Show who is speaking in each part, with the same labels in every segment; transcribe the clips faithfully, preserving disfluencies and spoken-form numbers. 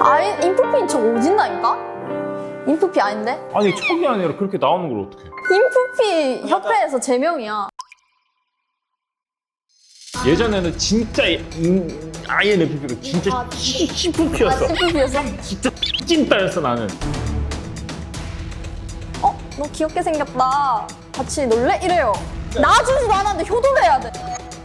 Speaker 1: 아예 인프피인 척 오진다니까? 인프피 아닌데?
Speaker 2: 아니 척이 아니라 그렇게 나오는 걸 어떡해.
Speaker 1: 인프피 협회에서 제명이야.
Speaker 2: 예전에는 진짜 음, 아이엔에프피가 진짜
Speaker 1: 아,
Speaker 2: 씨프피였어.
Speaker 1: 아, 씨프피였어?
Speaker 2: 진짜 찐따였어 나는.
Speaker 1: 어? 너 귀엽게 생겼다. 같이 놀래? 이래요. 놔주지도 않았는데 효도를 해야 돼.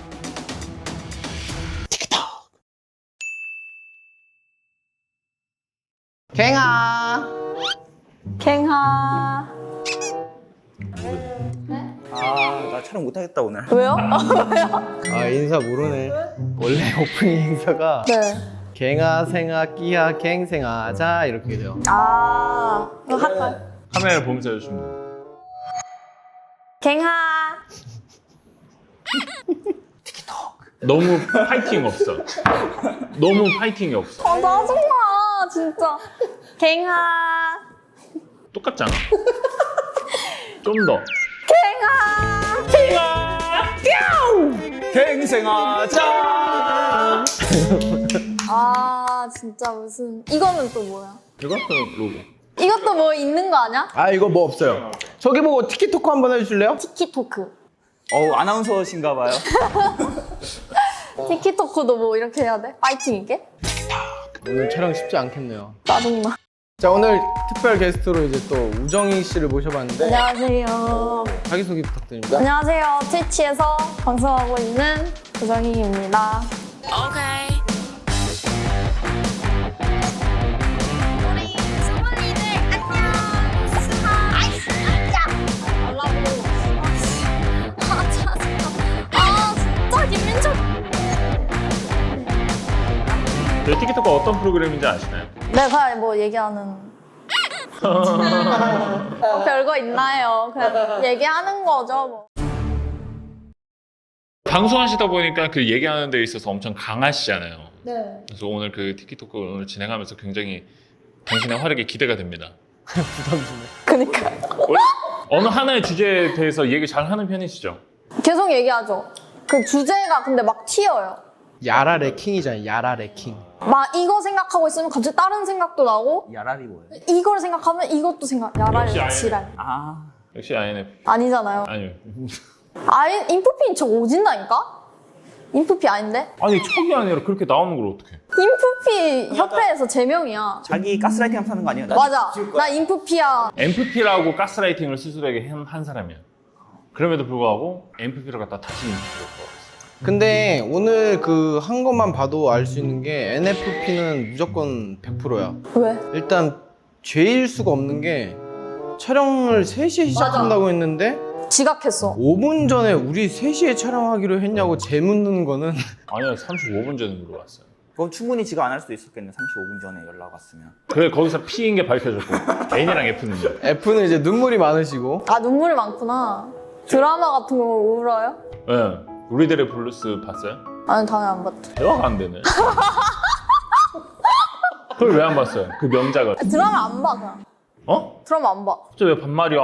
Speaker 3: 갱아.
Speaker 1: 갱하.
Speaker 4: 아, 나 촬영 못하겠다 오늘.
Speaker 1: 왜요?
Speaker 3: 아 인사 모르네. 원래 오프닝 인사가
Speaker 1: 네.
Speaker 3: 갱아 생아 끼야 갱생아 자 이렇게 돼요.
Speaker 1: 아, 이거 할까요?
Speaker 2: 카메라를 보면서 해주시면 돼요.
Speaker 1: 갱하.
Speaker 2: 너무 파이팅 없어. 너무 파이팅이 없어.
Speaker 1: 아, 짜증나, 진짜. 갱하.
Speaker 2: 똑같잖아. 좀 더.
Speaker 1: 갱하.
Speaker 4: 갱생아 짠!
Speaker 1: 아, 진짜 무슨. 이거는 또 뭐야?
Speaker 2: 이것도 로고.
Speaker 1: 이것도 뭐 있는 거 아니야?
Speaker 3: 아 이거 뭐 없어요. 저기 보고 티키토크 한번 해주실래요?
Speaker 1: 티키토크.
Speaker 4: 어우, 아나운서신가 봐요.
Speaker 1: 티키토크도 뭐 이렇게 해야 돼? 파이팅 있게?
Speaker 3: 오늘 촬영 쉽지 않겠네요.
Speaker 1: 짜증나.
Speaker 3: 자 오늘 특별 게스트로 이제 또 우정희 씨를 모셔봤는데
Speaker 1: 안녕하세요.
Speaker 3: 자기소개 부탁드립니다.
Speaker 1: 안녕하세요. 트위치에서 방송하고 있는 우정희입니다.
Speaker 5: 우리 수문이들 안녕. 스하. 아이스 야. 연락으로. 아 짜증나. 아 진짜 김민철.
Speaker 2: 저희 티키토크 어떤 프로그램인지 아시나요?
Speaker 1: 내가 뭐 얘기하는. 뭐 별거 있나요? 그냥 얘기하는 거죠, 뭐.
Speaker 2: 방송하시다 보니까 그 얘기하는 데 있어서 엄청 강하시잖아요.
Speaker 1: 네.
Speaker 2: 그래서 오늘 그 티키토크 오늘 진행하면서 굉장히 당신의 활약이 기대가 됩니다.
Speaker 3: 부담 주네.
Speaker 1: 그니까.
Speaker 2: 원래 어느 하나의 주제에 대해서 얘기 잘 하는 편이시죠?
Speaker 1: 계속 얘기하죠. 그 주제가 근데 막 튀어요.
Speaker 3: 야라 레킹이잖아요. 야라 레킹.
Speaker 1: 막 이거 생각하고 있으면 갑자기 다른 생각도 나고
Speaker 4: 야랄이 뭐예요?
Speaker 1: 이걸 생각하면 이것도 생각. 야랄
Speaker 2: 역시 아이엔.
Speaker 1: 지랄.
Speaker 4: 아,
Speaker 2: 역시 아이엔에프피.
Speaker 1: 아니잖아요.
Speaker 2: 아니요.
Speaker 1: 아예 인프피인 척 오진다니까? 인프피 아닌데?
Speaker 2: 아니 척이 아니라 그렇게 나오는 걸 어떡해.
Speaker 1: 인프피 협회에서 제명이야.
Speaker 4: 자기 가스라이팅 하면서 하는 거 아니에요? 나
Speaker 1: 맞아.
Speaker 4: 지울 거야.
Speaker 1: 나 인프피야.
Speaker 2: 엠피피라고 가스라이팅을 스스로에게 한, 한 사람이야. 그럼에도 불구하고 엠피피를 갖다 다시 인프피로 바꿨어.
Speaker 3: 근데 오늘 그 한 것만 봐도 알 수 있는 게 엔에프피는 무조건 백 퍼센트야.
Speaker 1: 왜?
Speaker 3: 일단 죄일 수가 없는 게 촬영을 세 시에 시작한다고 했는데
Speaker 1: 지각했어.
Speaker 3: 오 분 전에 우리 세 시에 촬영하기로 했냐고 재묻는 거는
Speaker 2: 아니요, 삼십오 분 전에 물어봤어요.
Speaker 4: 그럼 충분히 지가 안 할 수도 있었겠네. 삼십오 분 전에 연락 왔으면.
Speaker 2: 그래 거기서 P인 게 밝혀졌고 N이랑 F는요.
Speaker 3: F는 이제 눈물이 많으시고
Speaker 1: 아, 눈물이 많구나. 드라마 같은 거 울어요?
Speaker 2: 네. 우리들의 블루스 봤어요?
Speaker 1: 아니, 당연히 안 봤죠.
Speaker 2: 대화가 안 되네. 그걸 왜 안 봤어요? 그 명작을.
Speaker 1: 드라마 안 봐, 그냥.
Speaker 2: 어?
Speaker 1: 드라마 안 봐.
Speaker 2: 갑자기 왜 반말이야?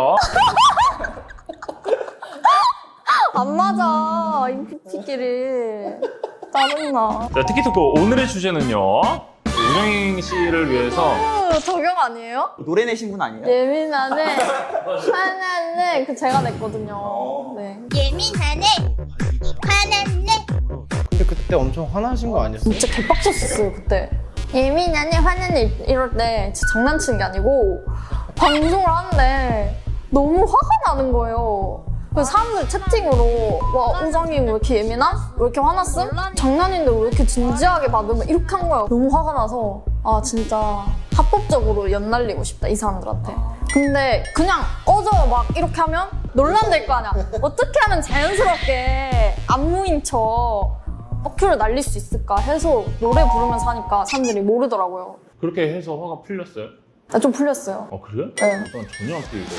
Speaker 1: 안 맞아, 인프피끼리. 짜증나.
Speaker 2: 자, 티키토크 오늘의 주제는요. 우정희 씨를 위해서
Speaker 1: 어, 저격 아니에요?
Speaker 4: 노래 내신 분 아니에요?
Speaker 1: 예민하네. 화났네. 그 제가 냈거든요. 네.
Speaker 5: 예민하네. 화났네.
Speaker 3: 근데 그때 엄청 화나신 거 아니었어요?
Speaker 1: 진짜 개빡쳤었어요, 그때. 예민하네, 화났네 이럴 때 진짜 장난치는 게 아니고 방송을 하는데 너무 화가 나는 거예요. 그래서 사람들 채팅으로 와, 우정이 왜 이렇게 예민함? 왜 이렇게 화났음? 장난인데 왜 이렇게 진지하게 받으면 이렇게 한 거예요. 너무 화가 나서 아 진짜 합법적으로 연날리고 싶다, 이 사람들한테. 근데 그냥 꺼져 막 이렇게 하면 논란될 거 아니야. 어떻게 하면 자연스럽게 안무인 척 어큐를 날릴 수 있을까 해서 노래 부르면서 하니까 사람들이 모르더라고요.
Speaker 2: 그렇게 해서 화가 풀렸어요?
Speaker 1: 나 좀 풀렸어요.
Speaker 2: 어 그래?
Speaker 1: 네.
Speaker 2: 난 전혀 안 풀리고.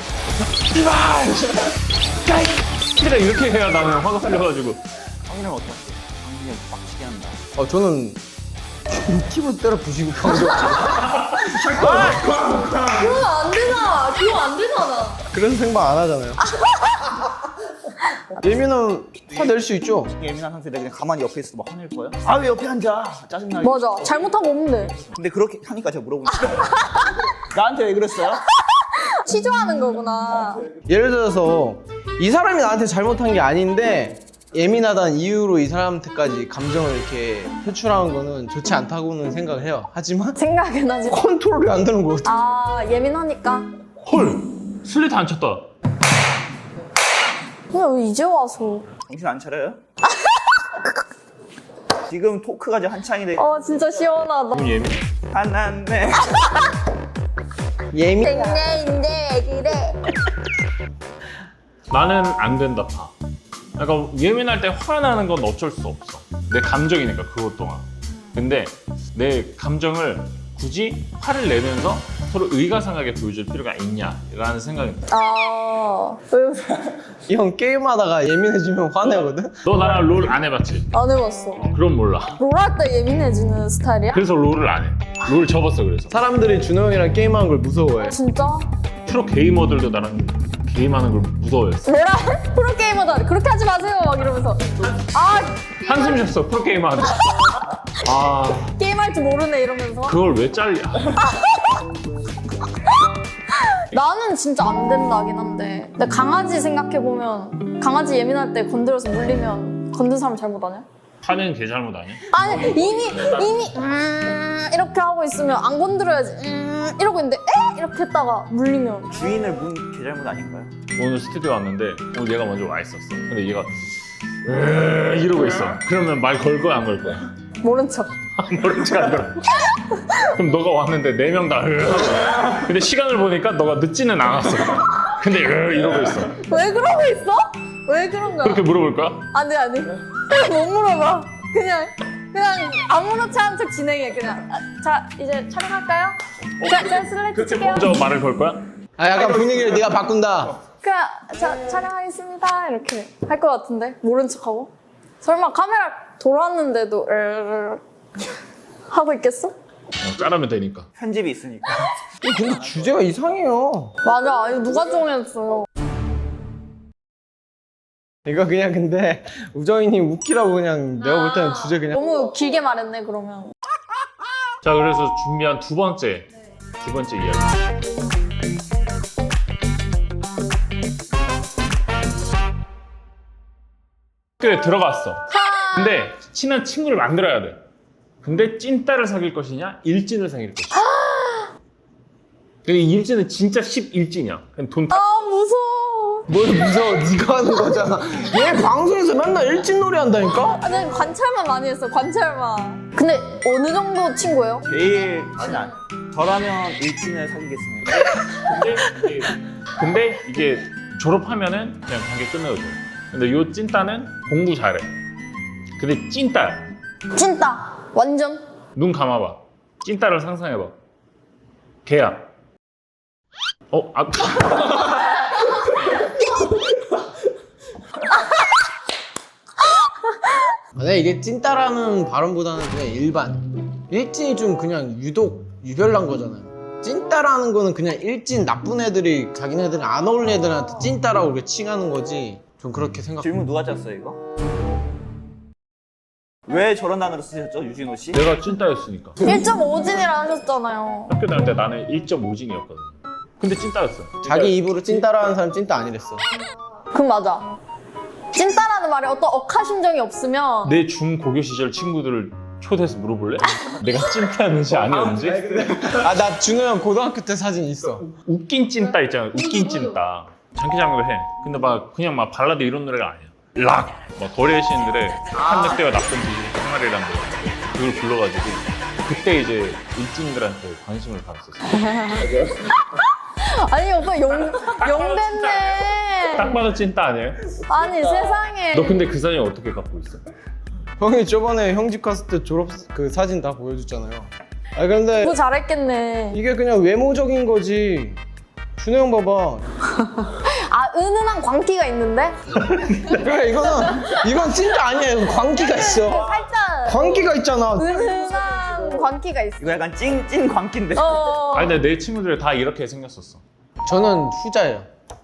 Speaker 2: 씨발! 이렇게 해야 나는 화가 풀려가지고.
Speaker 4: 형이랑 어떠세요? 형이 빡치게 한다.
Speaker 3: 어 저는 팁을 때려 부시고 방송
Speaker 1: 그건 안 되잖아. 그건 안 되잖아.
Speaker 3: 그런 생각 안 하잖아요. 예민은 화낼 수 있죠.
Speaker 4: 예민한 상태에 내가 그냥 가만히 옆에 있어도 막 화낼 거야? 아 왜 옆에 앉아? 짜증나.
Speaker 1: 맞아. 잘못한 거 없는데.
Speaker 4: 근데 그렇게 하니까 제가 물어보니까 나한테 왜 그랬어요?
Speaker 1: 치조하는 거구나.
Speaker 3: 예를 들어서 이 사람이 나한테 잘못한 게 아닌데 예민하다는 이유로 이 사람한테까지 감정을 이렇게 표출하는 거는 좋지 않다고는 생각을 해요. 하지만
Speaker 1: 생각은 하지.
Speaker 3: 컨트롤이 안 되는 거 같아.
Speaker 1: 아, 예민하니까.
Speaker 2: 헐 슬레이트 안 쳤다.
Speaker 1: 그냥 왜 이제 와서.
Speaker 4: 정신 안 차려요? 지금 토크가 이제 한창인데
Speaker 1: 어, 진짜 시원하다.
Speaker 2: 너무 예민.
Speaker 4: 화났네.
Speaker 3: 예민.
Speaker 1: 땡땡인데 왜 그래?
Speaker 2: 나는 안 된다 봐. 그러니까 예민할 때 화가 나는 건 어쩔 수 없어. 내 감정이니까 그것 동안. 근데 내 감정을 굳이 화를 내면서 서로 의가상하게 보여줄 필요가 있냐라는 생각이 들어.
Speaker 1: 아, 왜?
Speaker 3: 형 게임하다가 예민해지면 화내거든.
Speaker 2: 너 나랑 롤 안 해봤지?
Speaker 1: 안 해봤어.
Speaker 2: 그럼 몰라.
Speaker 1: 롤할 때 예민해지는 스타일이야?
Speaker 2: 그래서 롤을 안 해. 롤 접었어 그래서.
Speaker 3: 사람들이 준호 형이랑 게임하는 걸 무서워해.
Speaker 1: 진짜?
Speaker 2: 프로 게이머들도 나랑 게임하는 걸 무서워했어.
Speaker 1: 롤할 프로게이머다. 그렇게 하지 마세요. 막 이러면서. 아,
Speaker 2: 한숨 쉬었어 프로 게이머한테. 아
Speaker 1: 게임할 줄 모르네 이러면서.
Speaker 2: 그걸 왜 잘려?
Speaker 1: 나는 진짜 안 된다긴 한데. 근데 강아지 생각해보면 강아지 예민할 때 건드려서 물리면 건든 사람 잘못 아니야?
Speaker 2: 화는 개 잘못 아니야?
Speaker 1: 아니 이미 이미 음 이렇게 하고 있으면 안 건드려야지 음 이러고 있는데 에? 이렇게 했다가 물리면
Speaker 4: 주인을 문 개 잘못 아닌가요?
Speaker 2: 오늘 스튜디오 왔는데 오늘 얘가 먼저 와 있었어. 근데 얘가 으 이러고 있어. 그러면 말 걸 거야 안 걸 거야?
Speaker 1: 모른 척.
Speaker 2: 모른 척안 들어. 그럼 너가 왔는데 네 명 다 으 하고. 근데 시간을 보니까 너가 늦지는 않았어. 근데 으 이러고 있어.
Speaker 1: 왜 그러고 있어? 왜 그런 거야?
Speaker 2: 그렇게 물어볼 거야?
Speaker 1: 안돼 안돼 못 물어봐. 그냥 그냥 아무렇지 않은 척 진행해 그냥. 아, 자 이제 촬영할까요? 자, 자 슬라이드
Speaker 2: 그렇게
Speaker 1: 칠게요.
Speaker 2: 먼저 말을 걸 거야?
Speaker 3: 아 약간 분위기를 네가 바꾼다.
Speaker 1: 그냥 자 촬영하겠습니다 이렇게 할 것 같은데 모른 척하고. 설마 카메라 돌아왔는데도 으르르 하고 있겠어?
Speaker 2: 어, 자르면 되니까.
Speaker 4: 편집이 있으니까.
Speaker 3: 근데 주제가 이상해요.
Speaker 1: 맞아. 이거 누가 정했어?
Speaker 3: 이거 그냥 근데 우정이님 웃기라고 그냥 내가 볼 때는 주제 그냥
Speaker 1: 너무 길게 말했네 그러면.
Speaker 2: 자 그래서 준비한 두 번째 두 번째 이야기. 학교에 들어갔어. 근데 친한 친구를 만들어야 돼. 근데 찐따를 사귈 것이냐 일진을 사귈 것이냐. 근데 이 일진은 진짜 십일진이야. 그냥 돈 다.
Speaker 1: 아 무서워.
Speaker 3: 뭘 무서워. 네가 하는 거잖아. 얘 방송에서 맨날 일진놀이 한다니까?
Speaker 1: 아, 난 관찰만 많이 했어. 관찰만. 근데 어느 정도 친구예요?
Speaker 4: 제일 친한. 저라면 일진을 사귀겠습니다.
Speaker 2: 근데 이게, 근데 이게 졸업하면은 그냥 관계 끝나거든. 근데 요 찐따는 공부 잘해. 근데 찐따.
Speaker 1: 찐따. 완전.
Speaker 2: 눈 감아봐. 찐따를 상상해봐. 걔야. 어? 아.
Speaker 3: 근데 이게 찐따라는 발음보다는 그냥 일반. 일진이 좀 그냥 유독 유별난 거잖아요. 찐따라는 거는 그냥 일진 나쁜 애들이 자기네들이 안 어울리는 애들한테 찐따라고 이렇게 칭하는 거지. 좀 그렇게 생각.
Speaker 4: 질문 누가 짰어요 이거? 왜 저런 단어를 쓰셨죠 유진호 씨?
Speaker 2: 내가 찐따였으니까.
Speaker 1: 일 점 오 진이라 하셨잖아요.
Speaker 2: 학교 다닐 때 나는 일 점 오 진이었거든. 근데 찐따였어.
Speaker 3: 자기 입으로 찐따라는 사람 찐따 아니랬어.
Speaker 1: 그럼 맞아. 찐따라는 말에 어떤 억하심정이 없으면
Speaker 2: 내 중고교 시절 친구들을 초대해서 물어볼래? 내가 찐따였는지 아니었는지?
Speaker 3: 아 나 준호 형 고등학교 때 사진 있어.
Speaker 2: 웃긴 찐따 있잖아. 웃긴 찐따. 장기장도 해. 근데 막 그냥 막 발라드 이런 노래가 아니야. 락! 막 거리의 시인들의 한 늑대와 나쁜 비리 생활이라는 노래. 그걸 불러가지고 그때 이제 일진들한테 관심을 받았었어.
Speaker 1: 아니 오빠 영 영됐네.
Speaker 2: 딱 봐도 찐따 아니에요?
Speaker 1: 아니 세상에.
Speaker 2: 너 근데 그 사진 어떻게 갖고 있어?
Speaker 3: 형이 저번에 형 집 갔을 때 졸업 그 사진 다 보여줬잖아요. 아 근데
Speaker 1: 뭐 잘했겠네.
Speaker 3: 이게 그냥 외모적인 거지. 준호 형 봐봐.
Speaker 1: 아 은은한 광기가 있는데?
Speaker 3: 그래 이거는 이건 찐따 아니야. 이건 광기가 있어.
Speaker 1: 살짝
Speaker 3: 광기가 있잖아.
Speaker 1: 은은한 광기가 있어.
Speaker 4: 이거 약간 찐찐 광기인데.
Speaker 1: 어.
Speaker 2: 아니 근데 내 친구들 다 이렇게 생겼었어.
Speaker 3: 저는 후자예요.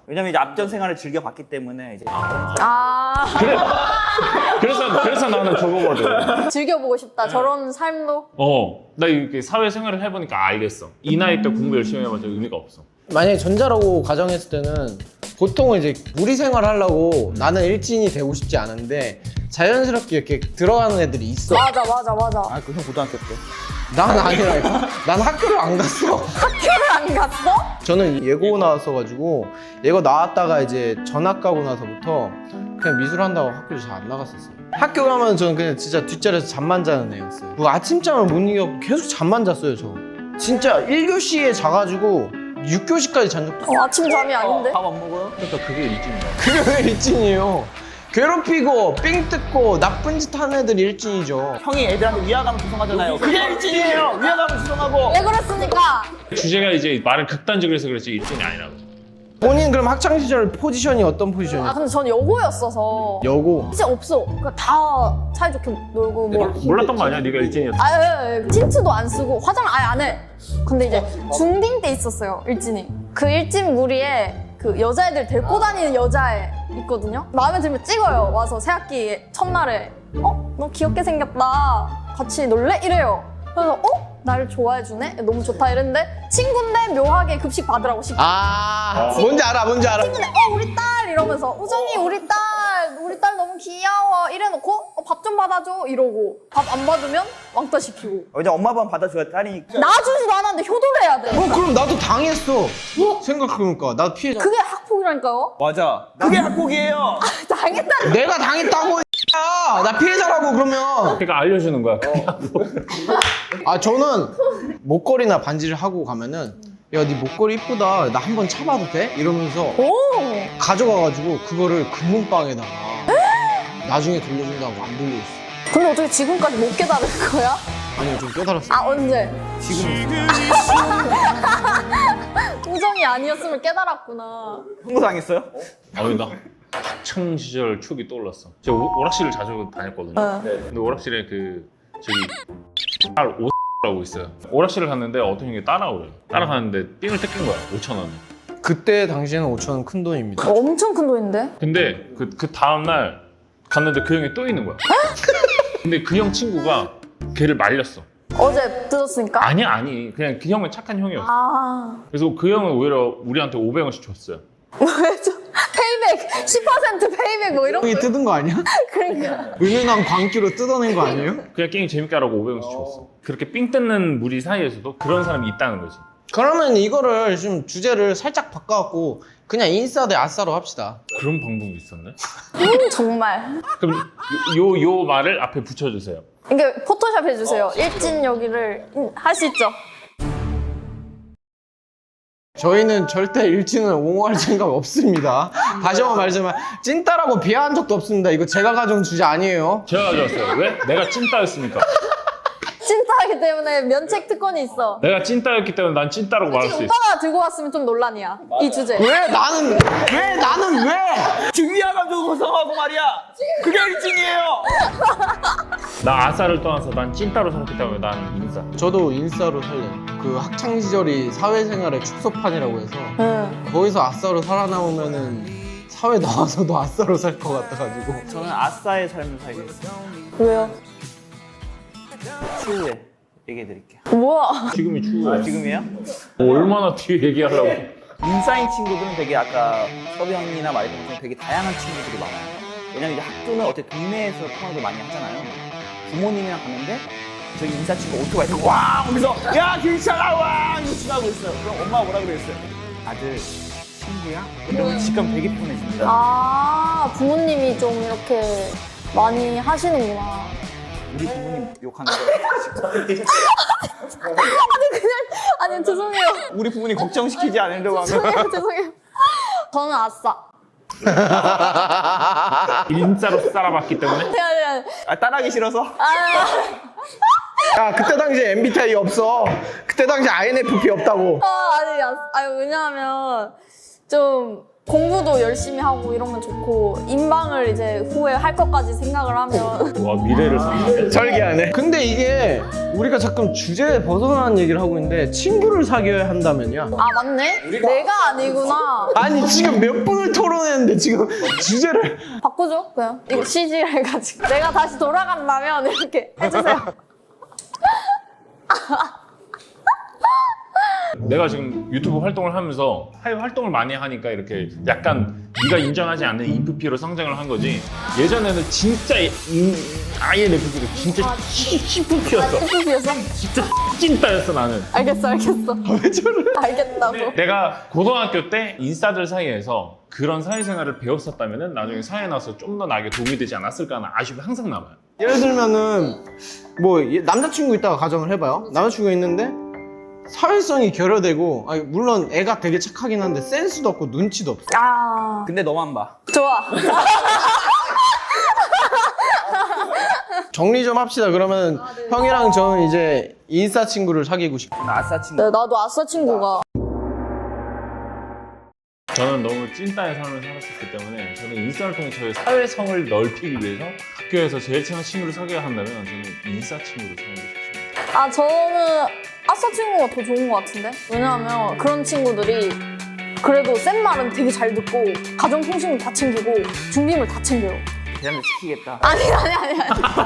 Speaker 4: 왜냐면 이제 앞전 생활을 즐겨봤기 때문에 이제
Speaker 1: 아
Speaker 2: 그래. 그래서 그래서 나는 저거거든.
Speaker 1: 즐겨보고 싶다. 저런 삶도.
Speaker 2: 어, 나 이렇게 사회생활을 해보니까 알겠어. 이 나이 때 공부 열심히 해봤자 의미가 없어.
Speaker 3: 만약에 전자라고 가정했을 때는 보통은 이제 무리 생활을 하려고 나는 일진이 되고 싶지 않은데 자연스럽게 이렇게 들어가는 애들이 있어.
Speaker 1: 맞아 맞아 맞아.
Speaker 4: 아 그 형 고등학교 때
Speaker 3: 난 아니라니까. 난 학교를 안 갔어.
Speaker 1: 학교를 안 갔어?
Speaker 3: 저는 예고 나왔어가지고 예고 나왔다가 이제 전학 가고 나서부터 그냥 미술한다고 학교를 잘 안 나갔었어요. 학교 가면 저는 그냥 진짜 뒷자리에서 잠만 자는 애였어요. 뭐 아침잠을 못 이겨고 계속 잠만 잤어요 저. 진짜 일 교시에 자가지고 육 교시까지 잔 적도 있어요.
Speaker 1: 어, 아침 잠이 아닌데?
Speaker 4: 밥 안 먹어요?
Speaker 2: 그러니까 그게 일진이야.
Speaker 3: 그게 왜 일진이에요? 괴롭히고 삥 뜯고 나쁜 짓 하는 애들이 일진이죠.
Speaker 4: 형이 애들한테 위화감을 조성하잖아요. 그게 일진이에요. 위화감을 조성하고.
Speaker 1: 왜 그랬습니까?
Speaker 2: 주제가 이제 말을 극단적으로 해서 그렇지 일진이 아니라고.
Speaker 3: 본인 그럼 학창 시절 포지션이 어떤
Speaker 1: 아
Speaker 3: 포지션이에요?
Speaker 1: 근데 전 여고였어서
Speaker 3: 여고.
Speaker 1: 진짜 없어. 그러니까 다 사이좋게 놀고 뭐.
Speaker 2: 몰랐던 거 아니야? 네가 일진이었어.
Speaker 1: 아, 예, 예. 틴트도 안 쓰고 화장 아예 안 해. 근데 이제 중딩 때 있었어요, 일진이. 그 일진 무리에 그 여자애들 데리고 다니는 여자애 있거든요. 마음에 들면 찍어요. 와서 새학기 첫날에 어? 너 귀엽게 생겼다. 같이 놀래? 이래요. 그래서 어? 나를 좋아해주네? 너무 좋다 이랬는데 친구인데 묘하게 급식 받으라고 시켜.
Speaker 3: 아, 뭔지 알아, 뭔지 알아.
Speaker 1: 친구네 어 우리 딸 이러면서 우정이 우리 딸 우리 딸 너무 귀여워 이래놓고 어, 밥 좀 받아줘 이러고 밥 안 받으면 왕따 시키고
Speaker 4: 이제 엄마 아빠 받아줘야 딸이니까.
Speaker 1: 놔주지도 않았는데 효도를 해야 돼.
Speaker 3: 어, 그럼 나도 당했어. 생각해보니까 나도 피해자.
Speaker 1: 그게 학폭이라니까요?
Speaker 4: 맞아. 그게 학폭이에요.
Speaker 1: 당했다.
Speaker 3: 내가 당했다고. 야, 나 피해자라고 그러면.
Speaker 2: 그러니까 알려주는 거야.
Speaker 3: 아, 저는 목걸이나 반지를 하고 가면은 야, 네 목걸이 이쁘다. 나 한번 차봐도 돼? 이러면서
Speaker 1: 오.
Speaker 3: 가져가가지고 그거를 금문방에다가 나중에 돌려준다고 안 돌려줬어.
Speaker 1: 근데 어떻게 지금까지 못 깨달은 거야?
Speaker 3: 아니요, 좀 깨달았어.
Speaker 1: 아 언제?
Speaker 3: 지금
Speaker 1: 우정이 아니었으면 깨달았구나.
Speaker 4: 홍보당했어요?
Speaker 2: 아니 나 학창 시절 추억이 떠올랐어. 제가 오- 오락실을 자주 다녔거든요.
Speaker 1: 어.
Speaker 2: 근데 오락실에 그 저기 딸 오라고 있어요. 오락실을 갔는데 어떤 형이 따라오래요. 따라가는데 삥을 뜯긴 거야. 오천 원을.
Speaker 3: 그때 당시에는 오천 원 큰 돈입니다.
Speaker 1: 엄청 큰 돈인데?
Speaker 2: 근데 그, 그 다음날 갔는데 그 형이 또 있는 거야. 근데 그 형 친구가 걔를 말렸어.
Speaker 1: 어제 뜯었으니까?
Speaker 2: 아니 아니 그냥 그 형은 착한 형이었어.
Speaker 1: 아.
Speaker 2: 그래서 그 형은 오히려 우리한테 오백 원씩 줬어요.
Speaker 1: 왜 저, 페이백 십 퍼센트 페이백 뭐 이런 거.
Speaker 3: 형이 뜯은 거 아니야?
Speaker 1: 그러니까.
Speaker 3: 은은한 광기로 뜯어낸 거 아니에요?
Speaker 2: 그냥 게임 재밌게 하라고 오백 원씩 줬어. 그렇게 삥 뜯는 무리 사이에서도 그런 사람이 있다는 거지.
Speaker 3: 그러면 이거를 좀 주제를 살짝 바꿔갖고 그냥 인싸 대 아싸로 합시다.
Speaker 2: 그런 방법이 있었네.
Speaker 1: 음 정말.
Speaker 2: 그럼 요, 요, 요 말을 앞에 붙여주세요.
Speaker 1: 이게 포토샵 해주세요. 일진 여기를 음, 할 수 있죠?
Speaker 3: 저희는 절대 일진을 옹호할 생각 없습니다. 다시 한번 말씀하지만 찐따라고 비하한 적도 없습니다. 이거 제가 가져온 주제 아니에요.
Speaker 2: 제가 가져왔어요. 왜? 내가 찐따였으니까.
Speaker 1: 찐따이기 때문에 면책 특권이 있어.
Speaker 2: 내가 찐따였기 때문에 난 찐따라고 말할 수 있어.
Speaker 1: 오빠가 들고 왔으면 좀 논란이야. 이 주제.
Speaker 3: 왜 나는 왜 나는 왜?
Speaker 4: 지금 위화감 조성하고 말이야. 그게 일진이에요.
Speaker 2: 나 아싸를 떠나서 난 찐따로 살았기 때문에 난 인싸.
Speaker 3: 저도 인싸로 살려요. 그 학창 시절이 사회생활의 축소판이라고 해서
Speaker 1: 응.
Speaker 3: 거기서 아싸로 살아남으면은 사회 나와서도 아싸로 살 것 같아가지고.
Speaker 4: 저는 아싸의 삶을 살겠어요.
Speaker 1: 왜요?
Speaker 4: 추후에 얘기해 드릴게요.
Speaker 1: 뭐야?
Speaker 2: 지금이 추워요.
Speaker 4: 아, 지금이에요?
Speaker 2: 뭐 얼마나 뒤에 얘기하려고.
Speaker 4: 인싸인 친구들은 되게 아까 서비 형이나 말했던 것처럼 되게 다양한 친구들이 많아요. 왜냐면 이제 학교는 어떻게 동네에서 통화도 많이 하잖아요. 부모님이랑 갔는데 저기 인싸 친구 오토바이 타고 와! 하면서 야 길차가 와! 이거 지나고 있어요. 그럼 엄마가 뭐라 그랬어요? 아들 친구야? 이러면 집 가면 되게 편해집니다.
Speaker 1: 아 부모님이 좀 이렇게 많이 하시는구나.
Speaker 4: 우리 부모님 욕하는 거
Speaker 1: 아니 죄송해요.
Speaker 4: 우리 부모님 걱정시키지 않으려고 하면
Speaker 1: 죄송해요. 죄송해요. 저는 아싸.
Speaker 2: 인싸로 살아봤기 때문에.
Speaker 1: 아니, 아니, 아니.
Speaker 4: 아, 따라하기 싫어서?
Speaker 1: 아,
Speaker 3: 야, 그때 당시에 엠비티아이 없어. 그때 당시에 아이엔에프피 없다고.
Speaker 1: 아, 아니, 아, 아니, 왜냐하면 좀 공부도 열심히 하고 이러면 좋고 인방을 이제 후에 할 것까지 생각을 하면
Speaker 2: 와 미래를 상상해.
Speaker 3: 설계하네. 근데 이게 우리가 자꾸 주제에 벗어나는 얘기를 하고 있는데 친구를 사귀어야 한다면요.
Speaker 1: 아 맞네? 내가 아니구나.
Speaker 3: 아니 지금 몇 분을 토론했는데 지금 주제를
Speaker 1: 바꾸죠 그냥 이거 씨지를 해가지고 내가 다시 돌아간다면 이렇게 해주세요.
Speaker 2: 내가 지금 유튜브 활동을 하면서 사회 활동을 많이 하니까 이렇게 약간 네가 인정하지 않는 이프피로 성장을 한 거지. 예전에는 진짜 이- 이- 아예 내 피부가 진짜 시프피였어.
Speaker 1: 해주시겠어?
Speaker 2: 진짜 찐따였어 나는.
Speaker 1: 알겠어 알겠어.
Speaker 3: 왜 저래?
Speaker 1: 알겠다고.
Speaker 2: 내가 고등학교 때 인싸들 사이에서 그런 사회생활을 배웠었다면 나중에 사회에 나와서 좀 더 나에게 도움이 되지 않았을까 하는 아쉬움이 항상 남아요.
Speaker 3: 예를 들면은 뭐 남자친구 있다가 가정을 해봐요. 남자친구가 있는데 사회성이 결여되고 아니, 물론 애가 되게 착하긴 한데 센스도 없고 눈치도 없어.
Speaker 1: 아
Speaker 4: 근데 너만 봐.
Speaker 1: 좋아.
Speaker 3: 정리 좀 합시다. 그러면 형이랑 저는 이제 인싸 친구를 사귀고 싶어.
Speaker 4: 나 아싸 친구.
Speaker 1: 네, 나도 아싸 친구가
Speaker 2: 저는 너무 찐따의 삶을 살았었기 때문에 저는 인싸를 통해 저의 사회성을 넓히기 위해서 학교에서 제일 친한 친구를 사귀어야 한다면 저는 인싸 친구를 사귀고 싶습니다.
Speaker 1: 아 저는 아싸 친구가 더 좋은 것 같은데? 왜냐하면 그런 친구들이 그래도 센 말은 되게 잘 듣고 가정통신을 다 챙기고 준비물 다 챙겨요.
Speaker 4: 대한민국 지키겠다.
Speaker 1: 아니 아니 아니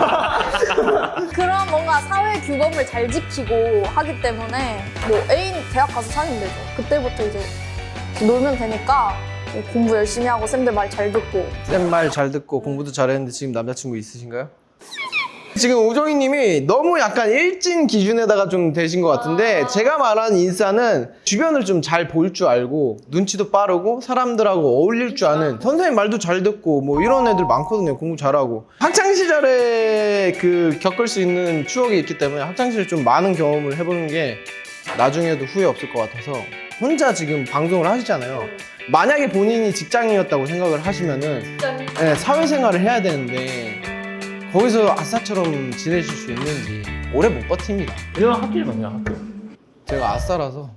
Speaker 1: 아니. 그런 뭔가 사회 규범을 잘 지키고 하기 때문에 뭐 애인 대학 가서 사귀면 되죠. 그때부터 이제 놀면 되니까 공부 열심히 하고 쌤들 말 잘 듣고.
Speaker 3: 쌤 말 잘 듣고 공부도 잘했는데 지금 남자친구 있으신가요? 지금 우정이 님이 너무 약간 일진 기준에다가 좀 되신 것 같은데 제가 말한 인싸는 주변을 좀 잘 볼 줄 알고 눈치도 빠르고 사람들하고 어울릴 줄 아는 선생님 말도 잘 듣고 뭐 이런 애들 많거든요. 공부 잘하고 학창시절에 그 겪을 수 있는 추억이 있기 때문에 학창시절에 좀 많은 경험을 해보는 게 나중에도 후회 없을 것 같아서 혼자 지금 방송을 하시잖아요. 만약에 본인이 직장인이었다고 생각을 하시면은 네, 사회생활을 해야 되는데 거기서 아싸처럼 지내실 수 있는지 오래 못 버팁니다.
Speaker 2: 이런 학교는 그냥 학교.
Speaker 3: 제가 아싸라서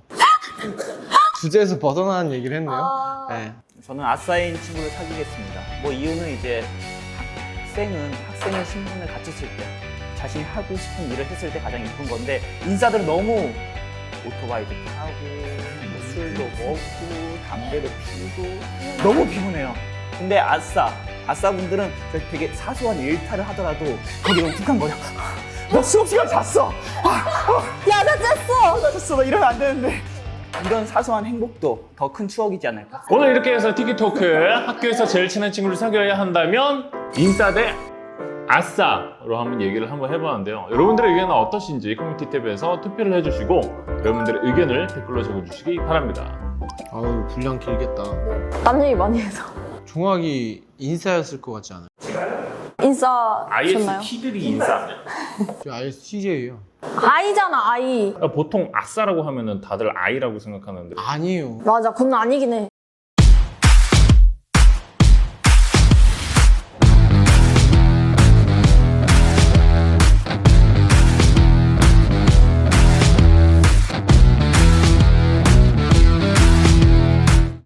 Speaker 3: 주제에서 벗어나는 얘기를 했네요. 네.
Speaker 4: 저는 아싸인 친구를 사귀겠습니다. 뭐 이유는 이제 학생은 학생의 신분을 갖췄을 때 자신이 하고 싶은 일을 했을 때 가장 이쁜 건데 인싸들은 너무 오토바이도 타고 뭐 술도 먹고 담배도 피우고 너무 피곤해요. 근데 아싸 아싸분들은 되게 사소한 일탈을 하더라도 거기 너무 툭한 거죠. 나 수업 시간 잤어.
Speaker 1: 야, 나 쨌어!
Speaker 4: 나 잤어. 나 이러면 안 되는데. 이런 사소한 행복도 더 큰 추억이지 않을까.
Speaker 2: 오늘 이렇게 해서 티키토크 학교에서 제일 친한 친구를 사귀어야 한다면 인싸 대 아싸로 한번 얘기를 한번 해봤는데요. 여러분들의 의견은 어떠신지 커뮤니티 탭에서 투표를 해주시고 여러분들의 의견을 댓글로 적어주시기 바랍니다.
Speaker 3: 아유 분량 길겠다.
Speaker 1: 남 얘기 많이 해서.
Speaker 3: 종학이 인싸였을 것 같지 않아요?
Speaker 1: 인싸셨나요?
Speaker 2: 아이에스티들이 인싸.
Speaker 3: 저 아이에스티제이예요.
Speaker 1: 아이잖아, 아이.
Speaker 2: 보통 아싸라고 하면은 다들 아이라고 생각하는데
Speaker 3: 아니에요.
Speaker 1: 맞아, 그건 아니긴 해.